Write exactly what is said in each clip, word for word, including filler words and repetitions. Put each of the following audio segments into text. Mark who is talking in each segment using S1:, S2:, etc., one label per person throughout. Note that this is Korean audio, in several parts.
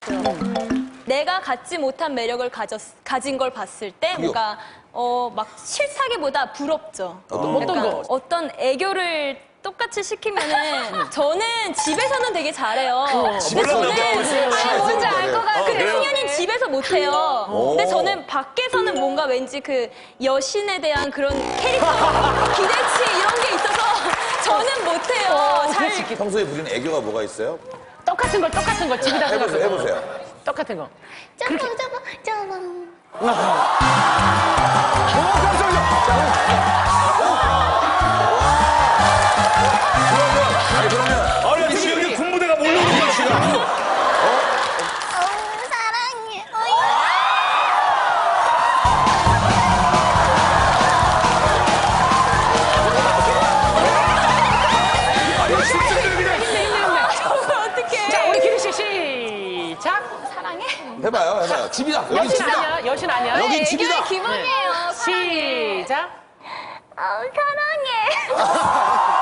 S1: 같아요. 내가 갖지 못한 매력을 가졌, 가진 걸 봤을 때 뭔가 어, 막 싫다기보다 부럽죠.
S2: 어떤, 어떤 거?
S1: 어떤 애교를 똑같이 시키면은 저는 집에서는 되게 잘해요. 근데 저는 아니, 뭔지 알 것 같아요. 근데 승현이는 집에서 못해요. 근데 저는 밖에서는 뭔가 왠지 그 여신에 대한 그런 캐릭터 기대치 이런 게 있어서 저는 못해요. 잘
S3: 평소에 부리는 애교가 뭐가 있어요?
S2: 똑같은 걸 똑같은 걸 집에다
S3: 해보세요,
S2: 해가지고.
S3: 해보세요.
S2: 똑같은 거.
S4: 짜방 짜방 짜방.
S3: 아니, 그러면.
S5: 아니, 지금 여기 군부대가 몰려오는 시간.
S4: 어우 사랑해. 어이.
S5: 아니, 실제로 그냥.
S1: 어떻게?
S2: 자, 우리 기리 씨 시작.
S1: 사랑해?
S3: 해봐요, 해봐요. 집이다. 여긴
S2: 여신
S3: 집이다.
S2: 아니야? 여신 아니야?
S3: 여긴
S1: 애교의
S3: 집이다.
S1: 기본이에요. 사랑해.
S2: 시작.
S4: 어우 사랑해.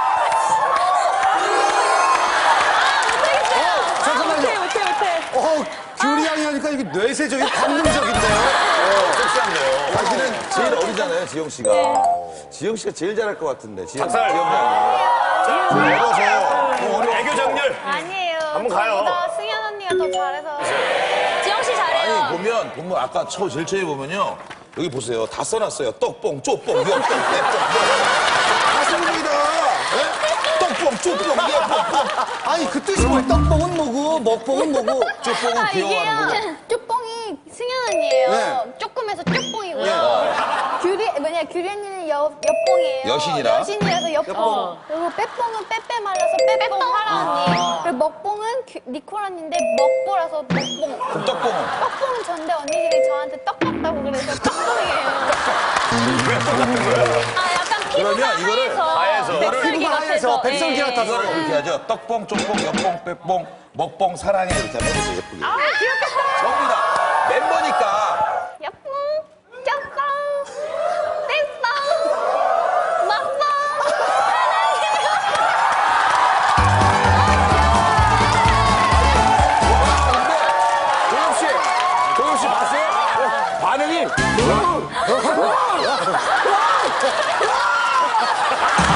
S6: 잠깐만요.
S1: 못해 못해.
S6: 어, 규리 양이 하니까 이게 뇌세적인 관능적인데요.
S3: 섹시한데요. 자기는 제일 어리잖아요, 지영 씨가. 지영 씨가 제일 잘할 것 같은데. 지영,
S5: 박살.
S3: 지영 양이. 어려서.
S5: 애교 장렬.
S4: 아니에요.
S5: 한번 가요.
S4: 저보다 승현 언니가 더 잘해서.
S1: 지영 씨 잘해요.
S3: 아니, 보면, 보면 아까 초, 제일 처음에 보면요. 여기 보세요. 다 써놨어요. 떡뽕, 쪼뽕, 옆뽕, 빼뽕. 다 써입니다. 떡뽕, 쪼뽕, 옆뽕.
S6: 아니, 그 뜻이 뭐야? 떡뽕은 뭐고, 먹뽕은 뭐고.
S3: 쪼뽕은
S4: 아
S3: 귀여워하는 거죠.
S4: 이게요. 쪽뽕이 승현 언니예요.
S6: 네.
S4: 조금해서 쪽뽕이고요. 규리 뭐냐 규리 언니는 여 옆뽕이에요.
S3: 여신이라?
S4: 여신이라서 옆뽕. 그리고 빼뽕은 빼빼 말라서 빼뽕 하라 언니. 그리고 먹뽕은 규- 니콜 언니인데 먹보라서 먹뽕.
S3: 그럼 떡뽕은?
S4: 떡뽕은 전데 언니들이 저한테 떡 같다고 그래서 떡뽕이에요.
S1: 아 약간 피부가
S3: 그러면 이거를
S1: 하얘서,
S5: 하얘서.
S1: 백설기
S6: 피부가 하얘서
S1: 같아서
S6: 백설기
S1: 예.
S6: 같아서.
S3: 이거를 이렇게 하죠. 떡뽕, 쪼뽕, 옆뽕, 빼뽕, 먹뽕, 사랑해. 이렇게 하면 해보세요, 예쁘게.
S1: 아 귀엽겠다.
S3: 전부 다 멤버니까.
S4: 옆뽕, 쩍뽕, 떼뽕, 먹뽕.
S3: 도영 씨, 도영 씨 봤어요? 반응이.